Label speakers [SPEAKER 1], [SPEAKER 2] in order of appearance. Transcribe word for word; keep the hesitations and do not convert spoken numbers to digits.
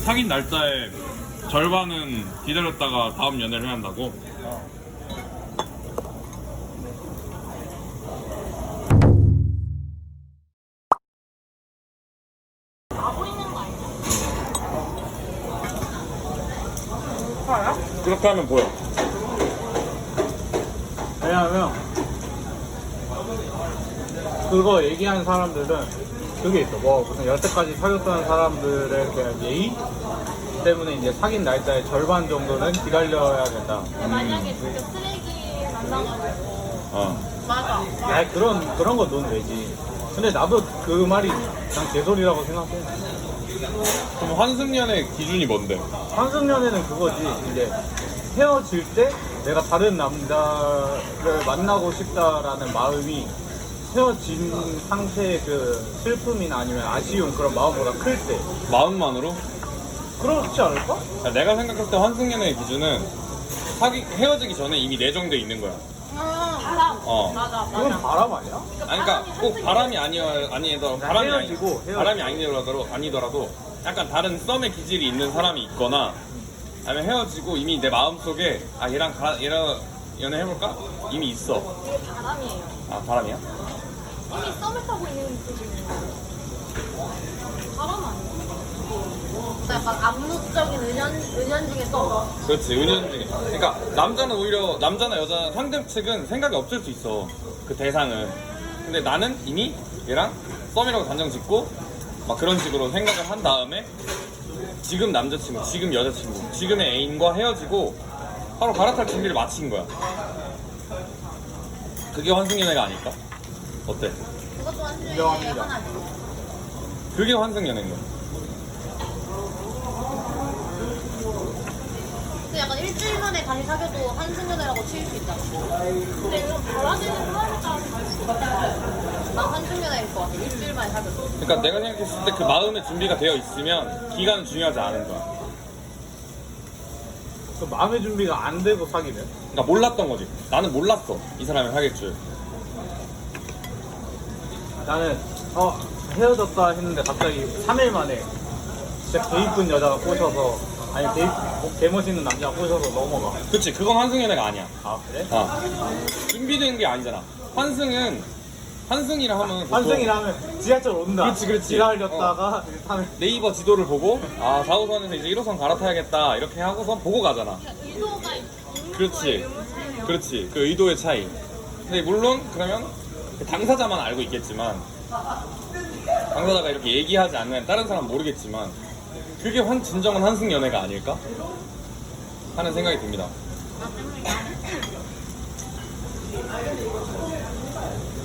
[SPEAKER 1] 사귄 날짜의 절반은 기다렸다가 다음 연애를 해야 한다고? 그렇게 하면 보여.
[SPEAKER 2] 왜냐면 그거 얘기하는 사람들은 그게 있어. 뭐 무슨 여태까지 사귀었던 사람들에 대한 예의 때문에 이제 사귄 날짜의 절반 정도는 기다려야 된다.
[SPEAKER 3] 만약에 진짜 쓰레기 만나가지고
[SPEAKER 1] 어.
[SPEAKER 3] 맞아.
[SPEAKER 2] 야 그런 그런 건 넌 되지. 근데 나도 그 말이 그냥 개소리라고 생각해.
[SPEAKER 1] 그럼 환승연의 기준이 뭔데?
[SPEAKER 2] 환승연애는 그거지. 이제 헤어질 때 내가 다른 남자를 만나고 싶다라는 마음이 헤어진 상태의 그 슬픔이나 아니면 아쉬움 그런 마음보다 클 때.
[SPEAKER 1] 마음만으로?
[SPEAKER 2] 그렇지 않을까?
[SPEAKER 1] 야, 내가 생각할 때 환승연애의 기준은 사귀 헤어지기 전에 이미 내정돼 있는 거야.
[SPEAKER 3] 음, 바람.
[SPEAKER 1] 어.
[SPEAKER 3] 맞아,
[SPEAKER 2] 그건
[SPEAKER 3] 맞아.
[SPEAKER 2] 바람 아니야?
[SPEAKER 1] 아니, 그러니까 꼭 바람이 아니어 아니더라도 바람이 아니
[SPEAKER 2] 헤어지고, 헤어지고.
[SPEAKER 1] 바람이 아니더라도 아니더라도 약간 다른 썸의 기질이 있는 사람이 있거나 아니면 헤어지고 이미 내 마음 속에 아 얘랑 가, 얘랑 연애 해볼까 이미 있어.
[SPEAKER 3] 이게 바람이에요.
[SPEAKER 1] 아 바람이야?
[SPEAKER 3] 이미 썸을 타고 있는 분들이 바람 아니야? 약간 암묵적인 은연, 은연중에 썸.
[SPEAKER 1] 그렇지 은연중에. 그러니까 남자는 오히려 남자나 여자 상대 측은 생각이 없을 수 있어 그 대상은. 근데 나는 이미 얘랑 썸이라고 단정 짓고 막 그런 식으로 생각을 한 다음에 지금 남자친구, 지금 여자친구, 지금의 애인과 헤어지고 바로 갈아탈 준비를 마친 거야. 그게 환승연애가 아닐까? 어때?
[SPEAKER 3] 그것도 한중에
[SPEAKER 2] 인정합니다.
[SPEAKER 3] 하나지.
[SPEAKER 1] 그게 환승연애인 거야.
[SPEAKER 3] 근데 약간 일주일 만에 다시 사귀어도 한승연애라고 칠 수 있잖아. 근데 이런 달라지는 사람에 따라서 난 한승연애일 것 같아. 일주일 만에 사귀어도.
[SPEAKER 1] 그러니까 내가 생각했을 때 그 마음의 준비가 되어 있으면 기간은 중요하지 않은 거야.
[SPEAKER 2] 그 마음의 준비가 안 되고 사귀면?
[SPEAKER 1] 그러니까 몰랐던 거지. 나는 몰랐어 이 사람을 사귈 줄.
[SPEAKER 2] 나는 어 헤어졌다 했는데 갑자기 삼 일 만에 진짜 개 이쁜 여자가 꼬셔서 아니 개, 이쁘- 개 멋있는 남자가 꼬셔서 넘어가.
[SPEAKER 1] 그치, 그건 환승연애가 아니야.
[SPEAKER 2] 아 그래?
[SPEAKER 1] 어. 준비된 게 아니잖아. 환승은 환승이라 하면 보통
[SPEAKER 2] 환승이라면 지하철 온다.
[SPEAKER 1] 그렇지, 그렇지.
[SPEAKER 2] 지랄렸다가 삼 일
[SPEAKER 1] 네이버 지도를 보고 아 사 호선에서 이제 일 호선 갈아타야겠다 이렇게 하고선 보고 가잖아.
[SPEAKER 3] 그러니까 의도가 있는
[SPEAKER 1] 그렇지.
[SPEAKER 3] 거에 의무를 차이네요.
[SPEAKER 1] 그렇지, 그 의도의 차이. 근데 물론 그러면 그 당사자만 알고 있겠지만 당사자가 이렇게 얘기하지 않으면 다른 사람은 모르겠지만 그게 환, 진정한 환승연애가 아닐까? 하는 생각이 듭니다.